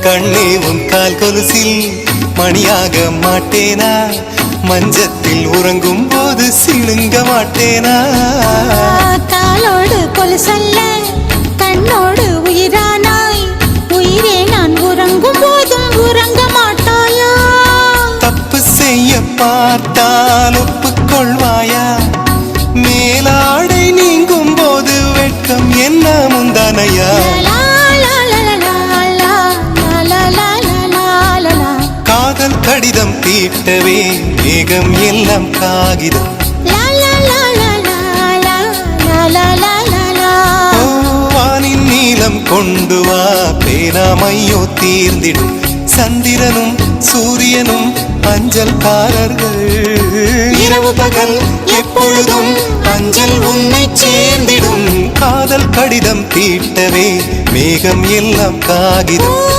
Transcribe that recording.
கண்ணே உன் கால் கொலுசில் மணியாக மாட்டேனா? மஞ்சத்தில் உறங்கும் போது சிணுங்க மாட்டேனா? காலோடு கொலுசல்ல கண்ணோடு உயிரானாய், உயிரே நான் உறங்கும் போதும் உறங்க மாட்டாயா? தப்பு செய்ய பார்த்தால் ஒப்புக்கொள்வாயா? மேலாடை நீங்கும் போது வெட்கம் என்ன முந்தானையா? காதல் கடிதம் தீட்டவே மேகம் எல்லாம் காகிதம். வானின் நீளம் கொண்டு வா, பேராமையோ தீர்ந்திடும். சந்திரனும் சூரியனும் அஞ்சல்காரர்கள். இரவு பகல் எப்பொழுதும் அஞ்சல் உன்னை சேர்ந்திடும். காதல் கடிதம் தீட்டவே மேகம் எல்லாம் காகிதம்.